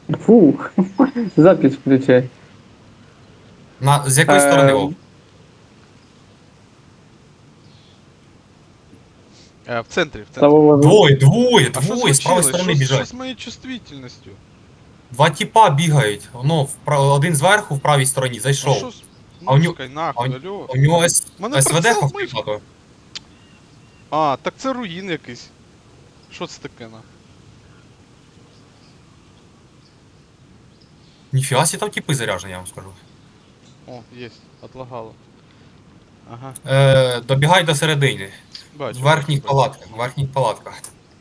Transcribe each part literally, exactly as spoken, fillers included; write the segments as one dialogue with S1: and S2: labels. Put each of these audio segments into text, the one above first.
S1: Фух, запись включай.
S2: На, з якої сторони,
S1: Е,
S2: Вов?
S3: Е, в центрі, в центрі.
S1: Савова.
S2: Двоє, двоє,
S3: А що
S2: двоє, з правої
S3: случилось?
S2: сторони
S3: Що, з- що
S2: біжать.
S3: з моєю чувствительністю?
S2: Два тіпа бігають. Воно, впра- один зверху в правій стороні
S3: А
S2: зайшов.
S3: що з
S2: А у нього,
S3: музикою
S2: а у,
S3: нахуй, алло?
S2: у нього С-
S3: Мене
S2: СВД
S3: прицел
S2: ховки
S3: мишки.
S2: багато.
S3: А, так це руїн якийсь. Що це таке на?
S2: Ніфіга сі там тіпи заряжені, я вам скажу.
S3: О, єсть, отлагало. Ага,
S2: Е, добігай до середини.
S3: бачу.
S2: В верхніх
S3: бачу, бачу.
S2: палатках, в верхніх палатках.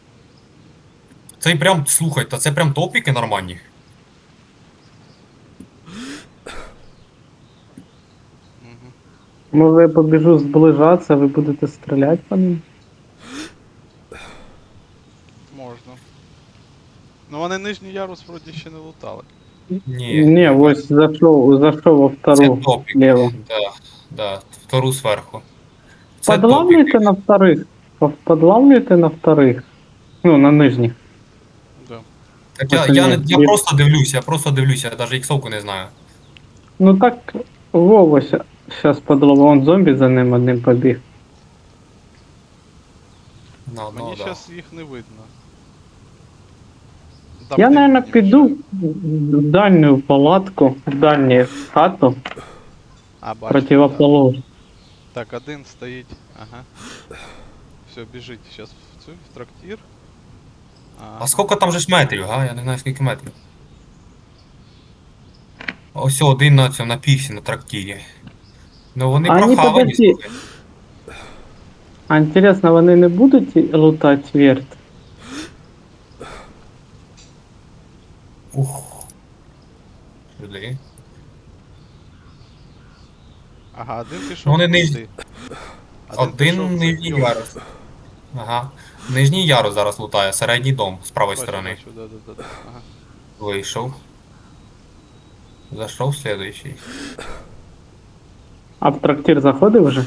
S2: Це прям, слухайте, це прям топіки нормальні.
S3: Угу.
S1: Може я побіжу зближатися, ви будете стріляти по ним?
S3: Можна. Ну вони нижній ярус вроді ще не лутали.
S2: Ні,
S1: Ні, ось зайшов, зайшов во
S2: це
S1: втору
S2: топіки.
S1: лево.
S2: Да, да, втору зверху. Це
S1: Подлавлюйте
S2: топіки.
S1: на вторых. Подлавлюйте на вторых. Ну, на нижніх.
S3: Да.
S2: Так я, я, не, я просто дивлюся, я просто дивлюся, я навіть іксовку не знаю.
S1: Ну так, Вова зараз подловив, он зомбі за ним одним побіг.
S2: На, ну,
S3: Мені
S2: да.
S3: зараз їх не видно. Там
S1: Я,
S3: дим
S1: наверное,
S3: мені
S1: піду
S3: мішає.
S1: в дальню палатку, в дальню хату,
S3: А, бачу. Да.
S1: противоположну.
S3: Так, один стоїть. Ага. Все, біжить зараз в цю, в трактир.
S2: А скільки там же ж метрів, га? Я не знаю скільки метрів. Ось один на цьому, на піксі, на трактирі. Ну вони
S1: А ні,
S2: прохавані,
S1: подожди.
S2: слухай.
S1: А інтересно, вони не будуть лутати верт?
S2: Ух. Сюди.
S3: Ага, один пішов
S2: Ну, вони
S3: туди.
S2: нижні.
S3: Один, пішов
S2: Один
S3: в цей
S2: нижній
S3: йол.
S2: ярус. Ага. Нижній ярус зараз лутає, середній дом з правої
S3: Бачу,
S2: сторони.
S3: бачу, да, да, да, да. Ага.
S2: Вийшов. Зайшов слідуючий.
S1: А в трактир заходив вже?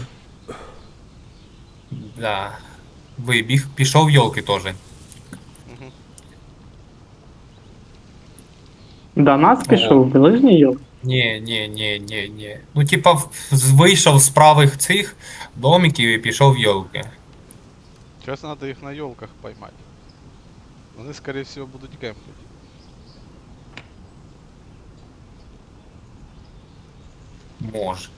S2: Да. Вибіг. Пішов йолки теж.
S3: Угу.
S1: До нас
S2: О.
S1: пішов, ближній йол?
S2: Ні, ні, ні, ні, ні. Ну, типа, в- з- вийшов з правих цих домиків і пішов в йолки.
S3: Зараз треба їх на йолках поймати. Вони, скорее всего, будуть кемпити.
S2: Може.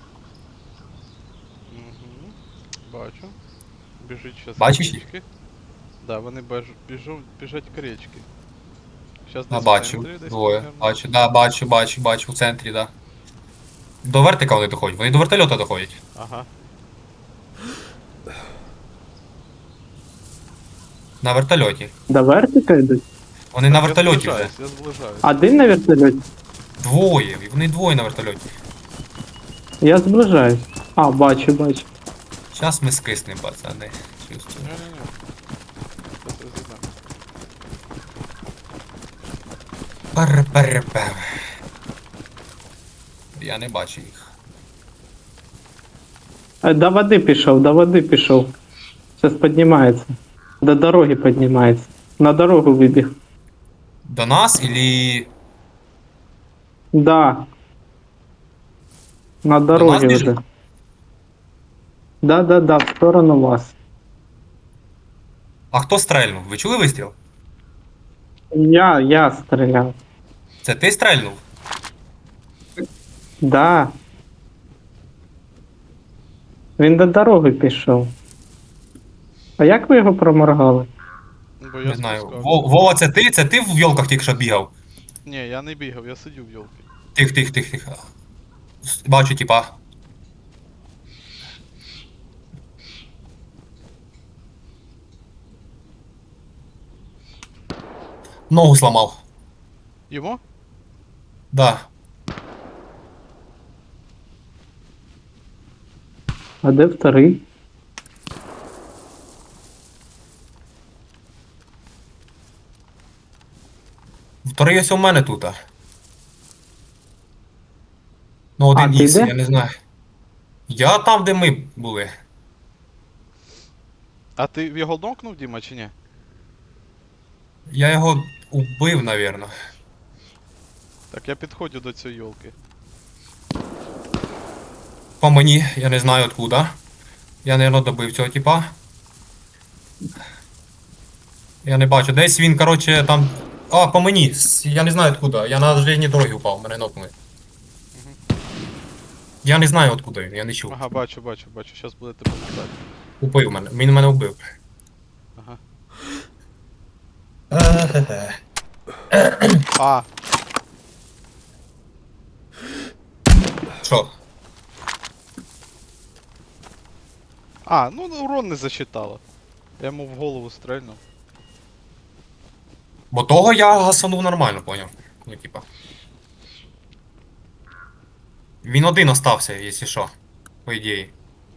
S3: Угу. Бачу. Біжить зараз
S2: Бачиш
S3: к
S2: їх?
S3: річки. Да, вони беж... біжу... біжать к річки. Зараз
S2: Да,
S3: десь в
S2: бачу.
S3: центрі, десь
S2: Двоє.
S3: примерно.
S2: Бачу, да, бачу, бачу, бачу, в центрі, да. До вертика вони доходять. Вони до вертольота доходять.
S3: Ага.
S2: На вертольоті.
S1: До вертика йдуть?
S2: Вони на
S3: Так,
S2: вертольоті
S3: я
S2: вже.
S3: зближаюсь, я зближаюсь.
S1: Один на вертольоті?
S2: Двоє. І вони двоє на вертольоті.
S1: Я зближаюсь. А, бачу, бачу.
S2: Зараз ми скиснемо, пацани. Чувствую.
S3: Не-не-не. Зараз розіб'ємо.
S2: Пер-пер-пер. Я не бачу їх.
S1: Е, До води пішов, до води пішов. Зараз піднімається. До дороги піднімається. На дорогу вибіг.
S2: До нас или...
S1: Да. На
S2: нас
S1: дорогі
S2: біжить?
S1: вже. Да, да, да, в сторону вас.
S2: А хто стрельнув? Ви чули вистріл?
S1: Я, я стріляв.
S2: Це ти стрельнув?
S1: Да. Він до дороги пішов. А як ви його проморгали?
S3: Ну, Бо я
S2: Не знаю.
S3: спускався.
S2: Во- Вова, це ти? Це ти в йолках тільки що бігав?
S3: Ні, я не бігав, я сидів в йолки.
S2: Тих, тих, тих, тих. С- Бачу, типа. Ногу сломав.
S3: Йому?
S2: Да.
S1: А де вторий?
S2: Вторий ось у мене тут. Ну, один
S1: А, ти
S2: ікс,
S1: де?
S2: я не знаю. Я там, де ми були.
S3: А ти в його нокнув, Діма, чи ні?
S2: Я його убив, навірно.
S3: Так, я підходжу до цієї йолки.
S2: По мені, я не знаю откуда. Я, наверное, добив цього типа. Я не бачу. Десь він, короче, там. А, по мені. С- Я не знаю откуда. Я на железній дорогі упав, мене нокнули. Я не знаю откуда він, я не чув.
S3: Ага, бачу, бачу, бачу. Щас буде тебе лутати.
S2: Убив мене. Він мене вбив.
S3: Ага.
S2: Е-хе-хе.
S3: А,
S2: Що?
S3: а, ну урон не засчитало. Я йому в голову стрельнув.
S2: Бо того я гасанув нормально, поняв. Ну, типа. Він один остався, якщо що. По ідеї.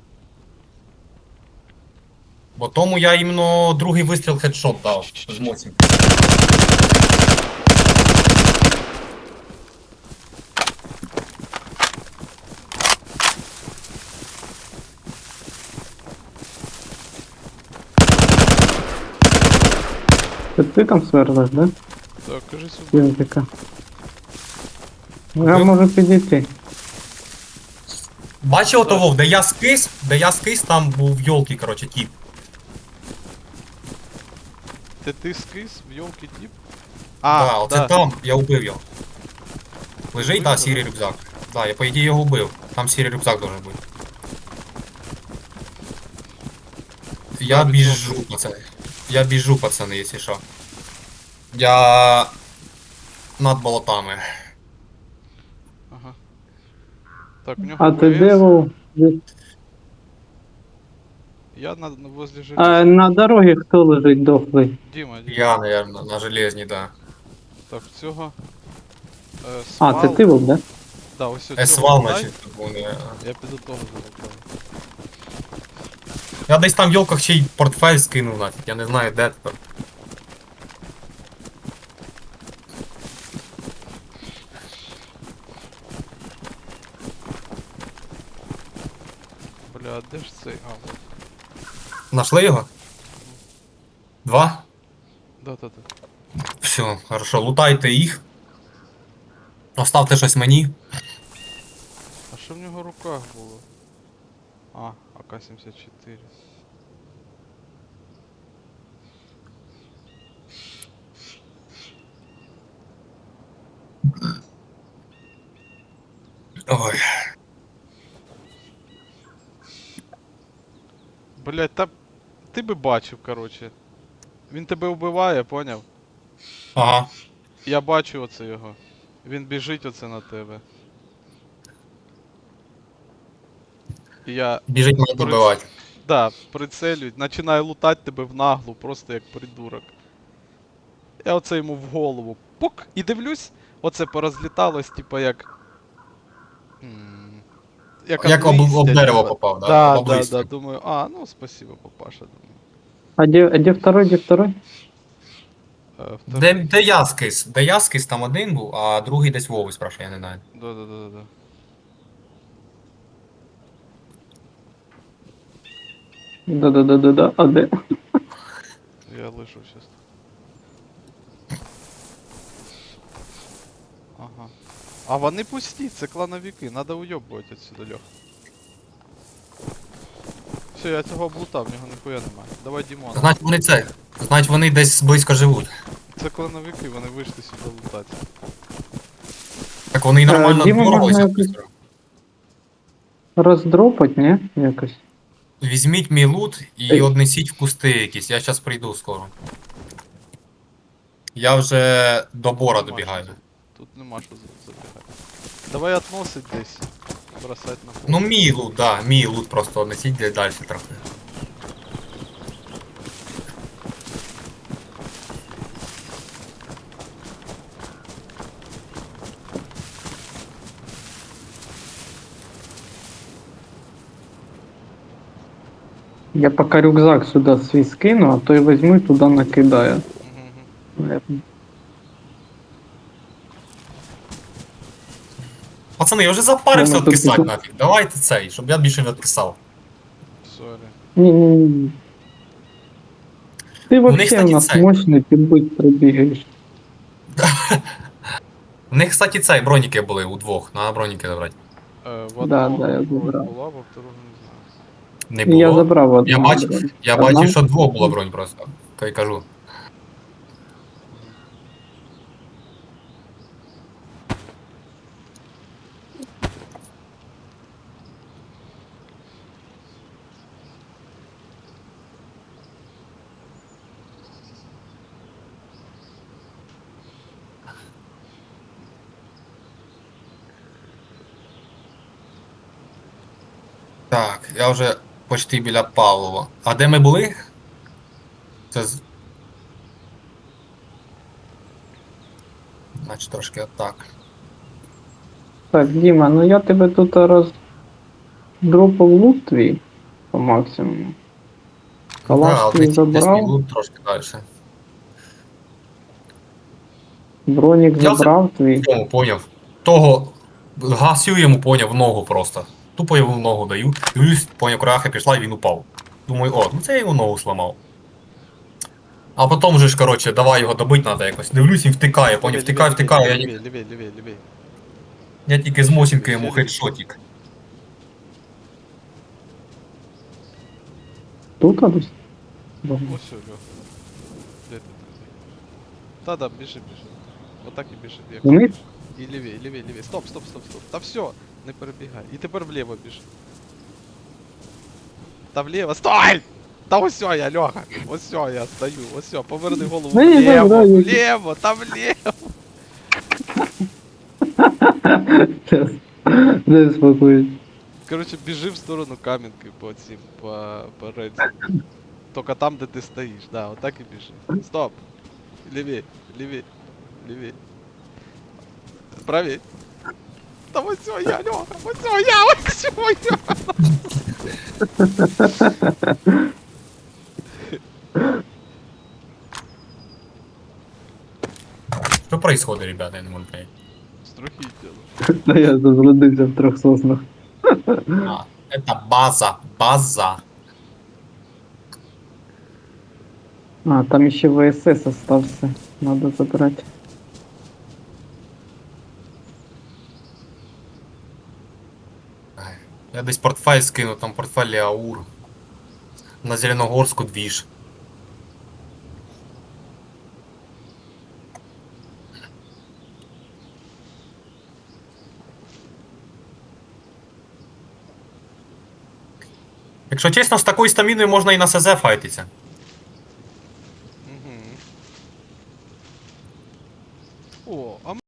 S2: Бо тому я іменно другий вистріл хедшот дав з моцім.
S1: Це ти там сверлиш, да?
S3: Так, кажи сюди.
S1: Язика. Я можу підійти.
S2: Бачив того, де я скис, де я скис, там був йолки, короче, тіп.
S3: Ти ти скис в йолки тип?
S2: А,
S3: А,
S2: да, оце
S3: да.
S2: там, я убив його. Лежить,
S3: Убив
S2: да,
S3: його,
S2: сірий
S3: да?
S2: рюкзак. Да, я по ідеї його убив. Там сірий рюкзак должен бути. Я
S3: Да,
S2: біжу, пацани. Я біжу, пацани, якщо що. Я над болотами.
S3: Ага. Так, у нього
S1: А ти
S3: ВС.
S1: де був?
S3: Я на, на возле
S1: А
S3: железа.
S1: на дорогі хто лежить дохлий?
S3: Діма, Діма.
S2: Я, наверное, на железній, да.
S3: Так, цього. Е,
S1: А,
S3: свал.
S1: це ти був, да?
S3: Да, ось цього
S2: Есвал,
S3: лутай.
S2: значить, вони.
S3: Я піду того залутаю.
S2: Я десь там в йолках ще й портфель скинув нафіг, я не знаю де тепер.
S3: Бля, а де ж цей? А, вот.
S2: Нашли його? Два?
S3: Да-да-да.
S2: Все, хорошо, лутайте їх. Оставте щось мені.
S3: А що в нього в руках було? А, А К сімдесят чотири.
S2: Ой.
S3: Блять, та ти би бачив, короче. Він тебе вбиває, поняв?
S2: Ага.
S3: Я бачу оце його. Він біжить оце на тебе. І я.
S2: Біжить мене
S3: приц-
S2: добивати.
S3: Да, прицелюють, починаю лутати тебе в наглу, просто як придурок. Я оце йому в голову. Пук! І дивлюсь, оце порозліталось, типа як. м, Як,
S2: Як
S3: от
S2: об,
S3: листя,
S2: об дерево
S3: типа.
S2: попав, да?
S3: Да,
S2: Об
S3: да,
S2: листя.
S3: да, думаю, а, ну спасибо, папаша, думаю.
S1: А де, а де второй, де второй?
S3: Е, втор-
S2: Де, де я скис? Де я скис, там один був, а другий десь Вову спрашиває, я не знаю.
S3: Да, да, да, да.
S1: Да-да-да-да-да, а де?
S3: Я лишу сейчас. Ага. А вони пусті, це клановики, надо уйобувати отсюда, Льох. Все, я цього облутав, в нього ніхуя немає. Давай Дімона.
S2: Значить вони це. Значить вони десь близько живуть.
S3: Це клановики, вони вийшли сюди лутати.
S2: Так вони й нормально
S1: Е, Діму
S2: боролися.
S1: можна Роздропать, ні? Якось.
S2: Візьміть мій лут і
S1: Ей.
S2: однесіть в кусти якісь, я зараз прийду скоро. Я вже до бора
S3: Нема
S2: добігаю.
S3: що за- Тут нема що за- забігати. Давай относить десь. Бросать на пол.
S2: Ну мій лут, да, мій лут просто однесіть де далі трохи.
S1: Я поки рюкзак сюди свій скину, а той візьму і туди накидаю.
S3: Мгм, мгм.
S1: Я-
S2: Пацани, я вже запарився
S1: Вона тут
S2: відписати
S1: тут.
S2: нафіг. Давайте цей, щоб я більше не відписав.
S3: Сорі.
S1: Ні-ні-ні. Ти
S2: Вони,
S1: вообще у
S2: кстати,
S1: нас
S2: це-
S1: мощний, ти будь бігаєш.
S2: У них, кстати, цей броніки були удвох, надо броніки забрати.
S3: Е, в
S1: Да,
S3: одного
S1: да, я
S3: бронь
S1: забрав.
S3: була, во второго не знаю.
S2: Не
S1: І
S2: було.
S1: я забрав
S2: Я
S1: одну.
S2: бачив,
S1: бронь.
S2: я
S1: Одна?
S2: бачив, що двох було бронь просто. То й кажу. Так, я вже почти біля Павлова. А де ми були? Це з... Значить трошки отак.
S1: Так, Діма, ну я тебе тут роздропав лут твій по максимуму. Калаш
S2: Да, от
S1: твій
S2: десь, десь мій
S1: забрав,
S2: лут трошки далі.
S1: бронік
S2: Я вже
S1: забрав твій.
S2: цьому поняв. Того гасю йому поняв в ногу просто. Тупо йому в ногу даю. Дивлюсь, поняв, крахи пішла і він упав. Думаю, о, ну це я йому ногу сламав. А потім же ж, коротше, давай його добити треба якось. Дивлюсь, він втикає, поняв,
S3: Лівей,
S2: втикає,
S3: лівей,
S2: втикає. Я,
S3: лівей,
S2: ні-
S3: лівей, лівей, лівей, лівей.
S2: я тільки з мосінки
S3: Ще
S2: йому
S3: лівей.
S2: хедшотик.
S1: Тут а десь?
S3: Ось все, Льох. Де ти там? Та да, біжи, біжи. Отак і біжи. Як
S1: Вони?
S3: хочеш. І лівей, лівей, лівей. Стоп, стоп, стоп, стоп. Та все, не перебігай. І тепер вліво біжи. Та вліво. Стой! Та ось все я, Льоха. Ось все я стою. Ось все, поверни голову
S1: Ну, я
S3: вліво,
S1: забираю.
S3: вліво, та вліво.
S1: Не спокоюсь.
S3: Короче, біжи в сторону камінки по цим, по, по рельсам. Тільки там, де ти стоїш, да, отак і біжи. Стоп! Ліві, ліві, ліві. Праві. Та ось все я, Льоха, ось все я, ось все я.
S2: Що происходит, ребята, я не можу понять.
S3: Страхітело.
S1: Та я заблудився в трьох соснах.
S2: А, это база, база.
S1: А, там ще ВСС остався. Надо забрати.
S2: Ай, я десь портфель скину, там портфель Аур. На Зеленогорску двіж. Якщо чесно, з такою стаміною можна і на СЗ файтиться.
S3: Угу. О, а